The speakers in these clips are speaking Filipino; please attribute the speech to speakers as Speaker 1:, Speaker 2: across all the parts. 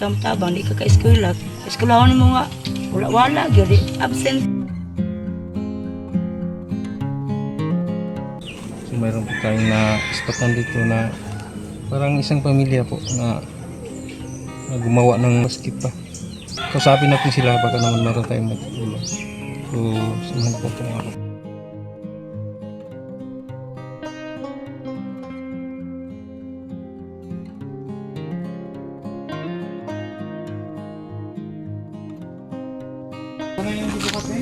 Speaker 1: Tabang di ka ka-eskwela. Eskwelahon mo nga wala gyud di absent.
Speaker 2: So mayroon po tayong na-spotan dito na parang isang pamilya po na gumawa ng basket pa. Kausapin natin sila baka naman meron tayong matulong. So samahan po po ako. Ano yung dito kasi?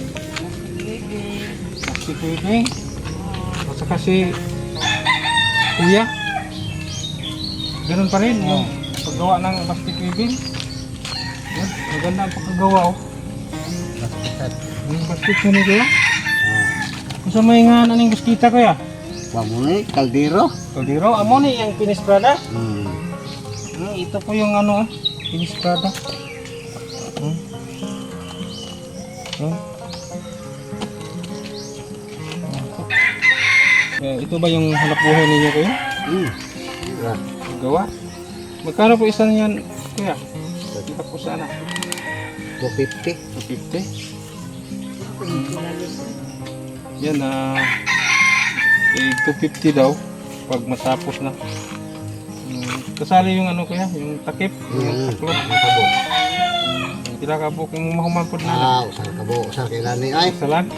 Speaker 2: Si Pwedeng. At saka si Kuya. Ganun pa rin yung paggawa ng basket weaving. Yan, maganda ang pagkagawa oh. Yung basket ko ni Kuya. Kung sa may nga naning buskita Kuya?
Speaker 3: Pamuni, kaldero.
Speaker 2: Kaldero, amo ni yung pinisprada. Ito po yung ano, pinisprada. Ito ba yung hanap buhay ninyo Kuya? Gawa? Magkano po isa niyan Kuya? Kita po sana.
Speaker 3: 250.
Speaker 2: 250. Yan 250 daw pag matapos na. Kasali yung ano Kuya, yung takip, yung taklo. Pila ka po kung mahuman po na.
Speaker 3: Usah kabo, usah kay nani ay.
Speaker 2: Salag.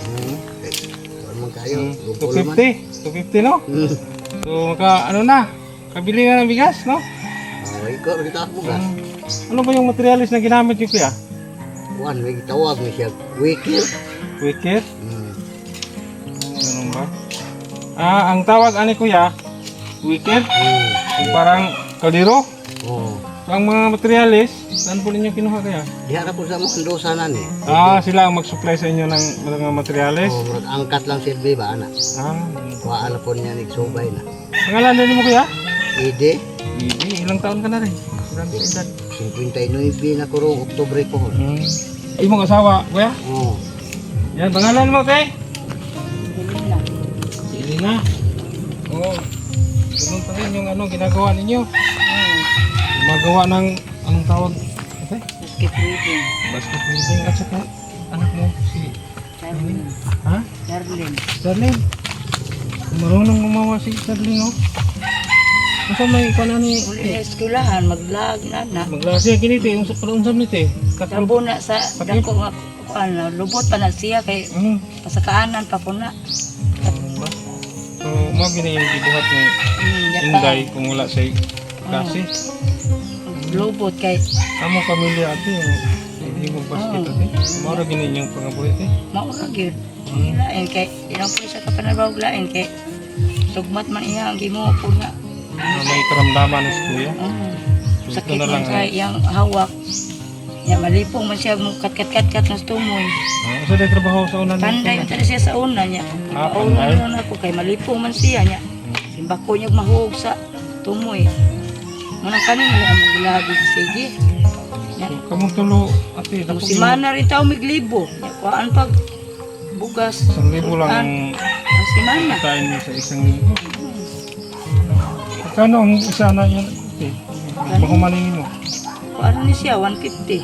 Speaker 3: Man kayo,
Speaker 2: 250 no? So maka ano na, kabili na ng bigas no?
Speaker 3: Ay ko kita mo gas.
Speaker 2: Ano ba yung materialis na ginamit niyo Kuya?
Speaker 3: Kuan may gitawag ni siya wikir.
Speaker 2: Wicket? Ganun ba? Ang tawag ani Kuya, wicket? Yung parang kaldero?
Speaker 3: Oh.
Speaker 2: So, ang mga materialis, saan po ninyo kinuha Kaya?
Speaker 3: Diha ra po sa mga kandosa na ni.
Speaker 2: Sila ang mag-supply sa inyo ng mga materialis?
Speaker 3: Oh, murag angkat lang silbi ba ana.
Speaker 2: Ah,
Speaker 3: Kuhaan na po niya ni subay na.
Speaker 2: pangalan din mo Kuya?
Speaker 3: Ide,
Speaker 2: Bibi, ilang taon ka na rin? Ilang edad?
Speaker 3: 59 na kurong Oktubre ko.
Speaker 2: Ay, mong asawa, Kuya?
Speaker 3: Oh.
Speaker 2: Yan, pangalan mo, Kay?
Speaker 1: Dili na.
Speaker 2: Sili na. Oo. Ganun pa rin yung ano, ginagawa ninyo. Gumagawa ng, anong tawag? Okay?
Speaker 1: Basket weaving.
Speaker 2: Basket weaving at saka anak mo, si
Speaker 1: Darlene.
Speaker 2: Ha?
Speaker 1: Darlene.
Speaker 2: Darlene. Marunong gumawa si Darlene, oh. Masa may ikaw ni
Speaker 1: Uli na eskwelahan maglag na.
Speaker 2: maglasi kiniti, yung sa palunsam nito eh.
Speaker 1: Kabo na sa dako nga kuan lubot pa na siya kay pasakaanan pa ko na.
Speaker 2: So, mo gini yung gibuhat ni Inday kung wala sa klase.
Speaker 1: Lubot kay
Speaker 2: Amo pamilya ate yung hindi mo basket ate. Mara gini yung pangabuhi ate.
Speaker 1: maura gyud. Lain kay ilang po sa kapanabawag lain kay sugmat man iya ang gimo po nga.
Speaker 2: May karamdaman si Kuya.
Speaker 1: Sakit
Speaker 2: na lang,
Speaker 1: man kay yang hawak. Ya malipong man siya mo kat ng tumoy.
Speaker 2: Asa day trabaho sa unan?
Speaker 1: Panday man tadi siya sa una niya.
Speaker 2: Panday.
Speaker 1: Paulan ako kay malipong man siya niya. Simbako niya mahuog sa tumoy. Manang kanin na ang giladi sige.
Speaker 2: Kamong tulo ate
Speaker 1: Tapos
Speaker 2: tapos
Speaker 1: si Mana rin tao miglibo. Kuan pag bugas.
Speaker 2: 1,000 lang ang
Speaker 1: Si Mana.
Speaker 2: kain niyo sa 1,000. Kano ang isa na yan ate? Mahumanin mo.
Speaker 1: Kuan ni siya 150.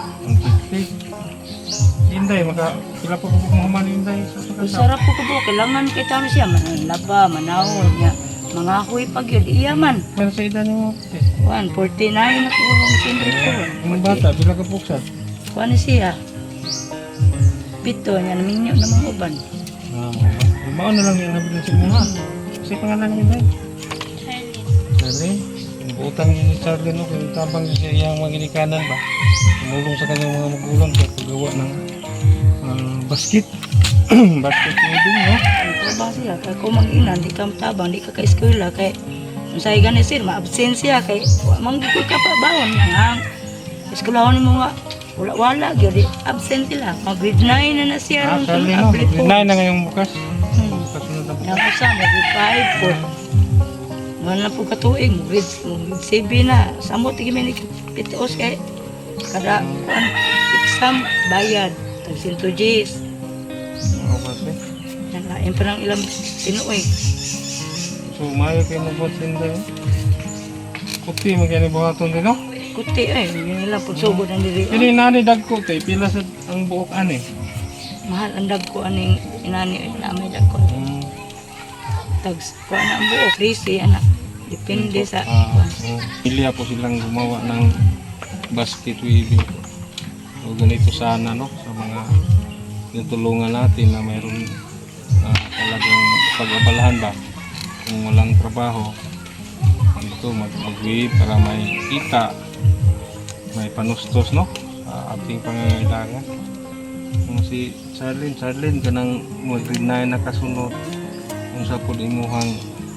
Speaker 2: 150. Inday, pila pa po mahumanin Inday sa pagkasa.
Speaker 1: Sarap po ko po kailangan kay tao siya manlaba, manawon niya. Mga huy pag yun, iya man.
Speaker 2: Pero sa edad niyo ate?
Speaker 1: 149 na po ang sindri ko.
Speaker 2: Yung bata, bila ka puksat?
Speaker 1: Kuan ni siya. Pito niya naminyo na mga uban.
Speaker 2: Mao na lang yung nabilin sa mga. Kasi pangalan niyo Inday? Charlene. Yung utang ni Charlene, no, kung tabang siya yung mga ginikanan ba? Tumulong sa kanyang mga magulang sa paggawa ng basket. Basket weaving, no?
Speaker 1: Ito ba siya? Kaya kung mag-inan, di ka tabang, di ka ka-eskwela. Kaya kung sa'yo ganit sir, ma-absent siya. Kaya manggigod ka pa bawon niya. Eskwelahon mo nga, wala, gyud absent sila. Mag-grade 9 na siya.
Speaker 2: Charlene, no? Grade 9 na ngayong bukas. Kasunod na bukas.
Speaker 1: Yan po sa grade 5 po. Naman na po katuig, grade 7 na. Samot, tigimi ni PTOS kay kada exam, bayad. Tag-100 Gs.
Speaker 2: Oo kasi.
Speaker 1: Yan lain pa ng ilang pinuoy.
Speaker 2: So, mayo kayo mabuhat din tayo. Puti, magyan buhaton din, no?
Speaker 1: kuti ay nila pud sugod ang diri.
Speaker 2: Kini nani dagko tay pila sa ang buok ani.
Speaker 1: Mahal ang dagko aning inani na may dagko. Tags ko na ang buo, crazy anak. Depende sa
Speaker 2: Pilya po silang gumawa ng basket weaving. So ganito sana no sa mga tinutulungan natin na mayroon talagang pag-abalahan ba kung walang trabaho. Ito mag-weave para may kita, may panustos no sa ating pangangailangan. Kung si Charlene kanang mag-grade 9 na kasunod kung sa po imuhang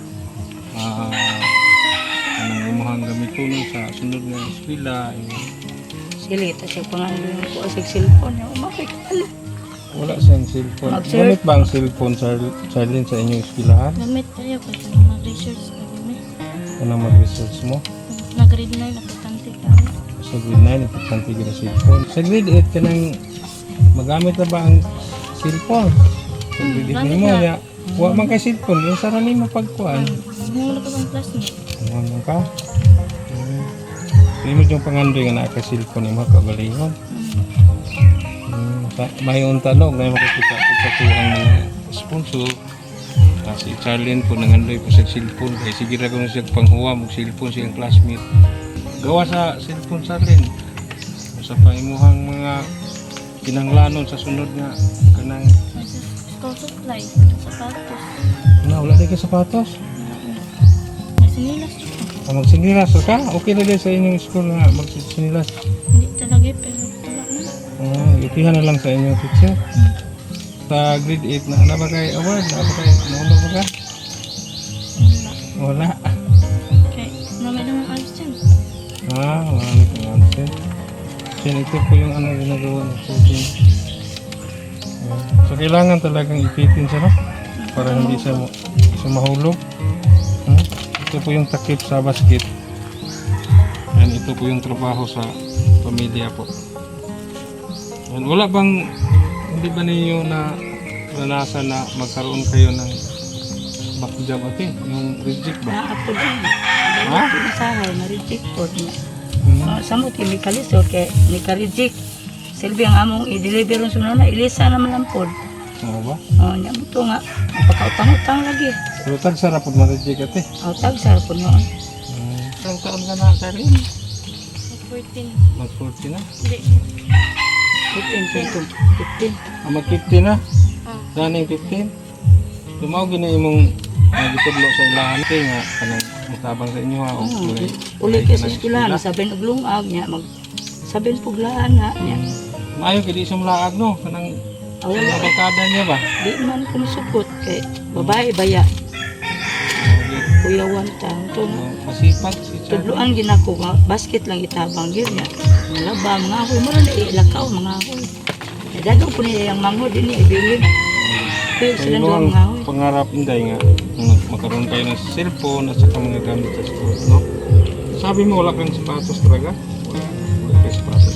Speaker 2: kanang imuhang gamiton sa sunod nga eskwela.
Speaker 1: sili ta siya pangalan ko sa cellphone niya. Umakit ala.
Speaker 2: Wala siyang cellphone.
Speaker 1: Mag-search.
Speaker 2: Gamit ba ang cellphone Charlene sa inyong eskwelahan?
Speaker 4: Gamit tayo kasi mag-research ka gamit.
Speaker 2: Ano mag-research mo?
Speaker 4: Nag-read na yung napitante ka.
Speaker 2: Sa grade 9, importante yung cellphone. Sa grade 8 ka nang magamit na ba ang cellphone? Sa grade 8
Speaker 4: gamit
Speaker 2: mo
Speaker 4: na.
Speaker 2: niya. Huwag man kay cellphone, yung sarali mo pagkuhan.
Speaker 4: Humulo ko ng classmate.
Speaker 2: Ano ka? Hindi mo yung pangandoy nga naka-cellphone yung mga kagalingon. May untalog na makikita ko ang mga sponsor. Si Charlene po nangandoy po sa cellphone. Kaya sige na kung siya panghuwa mag cellphone siyang classmate. Gawa sa cellphone Charlene. Sa paimuhang mga kinanglanon sa sunod nga kanang
Speaker 4: School supply, sapatos.
Speaker 2: wala din ka sapatos.
Speaker 4: May sinilas.
Speaker 2: Magsinilas ka? Okay na din sa inyong school nga magsinilas.
Speaker 4: Hindi talaga pero wala na.
Speaker 2: Itihan na lang sa inyong teacher. Sa grade 8 na ba kayo award? Na ba kayo nauna ba ka? Wala.
Speaker 4: Okay, may naman ayos dyan.
Speaker 2: Wala nito answer. Kasi ito po yung ano ginagawa ng coaching. So kailangan talagang ipitin siya no? Para hindi siya mahulog. Ito po yung takip sa basket. And ito po yung trabaho sa pamilya po. And wala bang, hindi ba ninyo na naranasan na magkaroon kayo ng back job ate? Yung reject ba?
Speaker 1: Naapod din.
Speaker 2: Ha?
Speaker 1: Dahil ko sa hay ma-reject po niya. Samot ni kalis okay ni ka-reject. Silbi ang among i-deliver ng sunod na ilisa naman lang po.
Speaker 2: Oo ba?
Speaker 1: Nya mo to nga napakautang-utang lagi.
Speaker 2: Pero tagsara po ma-reject ate.
Speaker 1: Tag sa po noon.
Speaker 2: Ilang taon ka na Charlene?
Speaker 4: 14.
Speaker 2: Mag-40 na?
Speaker 4: Hindi.
Speaker 1: 15.
Speaker 2: Mag-50 na?
Speaker 4: Oh.
Speaker 2: Daning 15? Lumaw gina imong gitudlo sa ilahan kay nga kanang mutabang sa inyo ha.
Speaker 1: Uli kay sa eskwelahan sabihin og lungag nya mag sabihin puglaan na nya.
Speaker 2: Maayo kay di siya mulaag no kanang
Speaker 1: Wala
Speaker 2: barkada niya ba?
Speaker 1: di man ko masukot kay babae baya. Kuya wanta to nga.
Speaker 2: Masipag si Charlie.
Speaker 1: Tudloan ginako nga basket lang itabang gyud nya. Laba mga hoy mo na ilakaw mga hoy. Dadaw po niya yung manghod din niya ibilin. Pero
Speaker 2: Kaya
Speaker 1: sila
Speaker 2: mo
Speaker 1: duha
Speaker 2: ang
Speaker 1: mga hoy.
Speaker 2: pangarap inday nga magkaroon kayo ng cellphone at saka mga gamit sa school, no? Sabi mo wala kang sapatos talaga? Wala kang sapatos.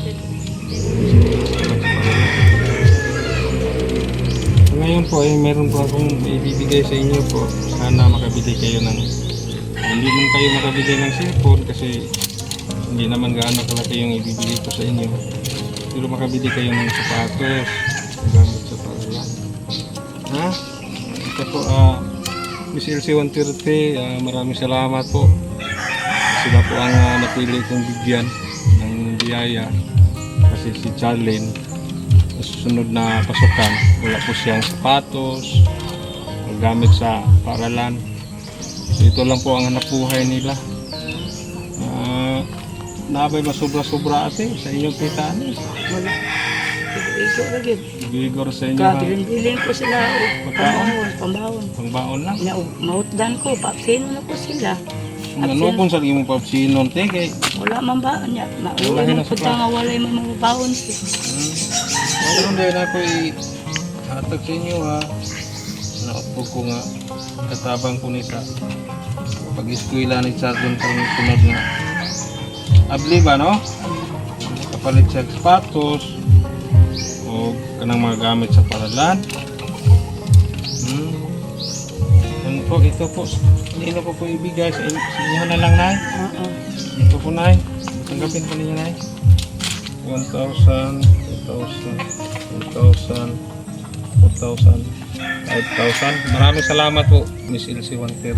Speaker 2: Ngayon po ay meron po akong ibibigay sa inyo po. Sana makabili kayo ng hindi man kayo makabili ng cellphone kasi hindi naman gaano kalaki yung ibibigay ko sa inyo. Pero makabili kayo ng sapatos, gamit sa paglalan. Ha? Ito po, Miss LC 130, maraming salamat po. Sila po ang napili kong bigyan ng biyaya. Kasi si Charlene, sa susunod na pasukan, wala po siyang sapatos, gamit sa paaralan. So ito lang po ang hanap buhay nila. Nabay masobra-sobra ate sa inyong kitaan.
Speaker 1: Wala. Iko lagi.
Speaker 2: Bigor sa inyo ha.
Speaker 1: Kabilin ko sila og pambawon.
Speaker 2: Pangbaon lang.
Speaker 1: Nya og mautdan ko papsino na ko sila.
Speaker 2: Ano kung sa imong papsinon te kay
Speaker 1: Wala man ba nya.
Speaker 2: Wala
Speaker 1: Wala
Speaker 2: na
Speaker 1: man
Speaker 2: sa
Speaker 1: pud nga walay man mga bawon siya.
Speaker 2: Meron din ako i-hatag sa inyo ha. Naupog ko nga katabang ko ni sa pag-eskwela ni Charlene karong sunod nga. Abli ba no? Kapalit siya sapatos o kanang mga gamit sa paralan. Yan po, ito po. Hindi na po ibigay sa inyo na lang, Nay.
Speaker 1: Oo.
Speaker 2: Ito po, Nay. Tanggapin pa niya na 1,000, 2,000, 1,000, 4,000, 5,000. Maraming salamat po, Miss Elsie Wanter.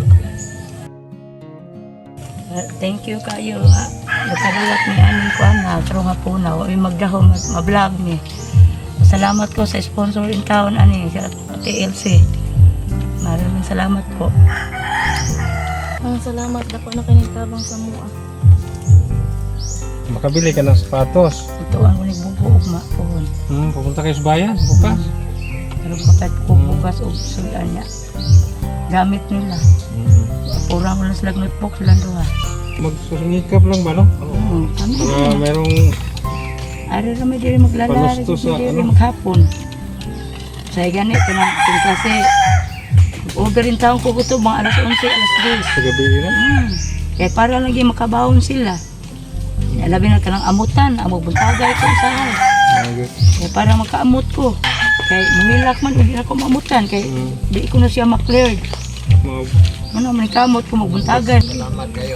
Speaker 1: Thank you kayo nga. Nagkadawat ni aning ko na pero nga po na ay magdahom at ma-vlog ni. Salamat ko sa sponsor in town ani sa TLC. Maraming salamat po.
Speaker 4: Ang salamat ako na kinitabang sa mua.
Speaker 2: Makabili ka ng sapatos.
Speaker 1: Ito ang unig bubuog ma po.
Speaker 2: Pupunta kayo sa bayan, bukas.
Speaker 1: Pero kapag ko bukas o sudan niya. Gamit nila. Purang wala sila nagpok sila doha.
Speaker 2: Magsusungikap lang ba, no?
Speaker 1: Kami
Speaker 2: Para merong
Speaker 1: ari ra may diri maglalari,
Speaker 2: Panusto sa
Speaker 1: diri
Speaker 2: ano?
Speaker 1: maghapon. Sa ganito na ito kasi order rin taong ko gusto mga alas 11, alas 10.
Speaker 2: sa gabi na.
Speaker 1: Kaya para lagi makabawon sila. Labi na ka ng amutan, amog buntagay ko sa hay. Kaya para makaamot ko. Kaya mangilak man, hindi na ako maamutan. Kaya di ko na siya ma-cleared. Ano, manikamot ko magbuntagay.
Speaker 3: Salamat kayo.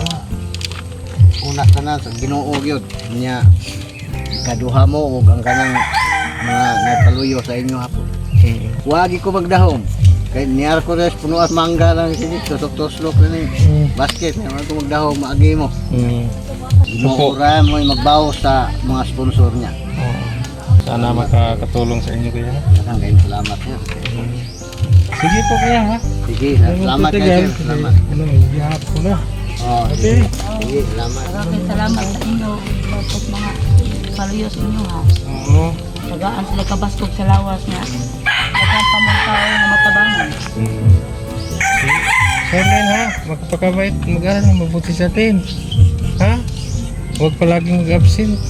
Speaker 3: Una ka na sa Ginoo gyud nya kaduha mo ug ang kanang mga nagpaluyo sa inyo hapon. Wagi ko magdahom. Kay niyar ko res puno at mangga lang sini tusok-tuslok na ni basket na ko magdahom maagi mo. Mo ora mo magbawo sa mga sponsor niya.
Speaker 2: Sana makakatulong sa inyo kaya.
Speaker 3: Daghang kayong salamat niya.
Speaker 2: Sige po kaya ha.
Speaker 3: Sige, salamat kayo. Sir. Salamat.
Speaker 2: Ano, ihap ko na.
Speaker 3: Oh,
Speaker 2: Okay.
Speaker 3: sige, salamat.
Speaker 1: Maraming salamat sa inyo. Bakit mga paluyos inyo ha.
Speaker 2: Oo.
Speaker 1: Tagaan sila kabaskog sa lawas niya. Tagaan pa mga tao na matabangan.
Speaker 2: Sherlyn ha, magpakabait, mag-aral na mabuti sa atin. Ha? Huwag palaging mag-absent.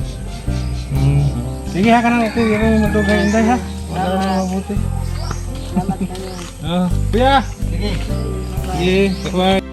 Speaker 2: Sige ha ka na ako, yung matugay inday ha. Mag-aral na mabuti.
Speaker 1: Salamat kayo.
Speaker 2: Kuya! Sige. Sige, bye-bye.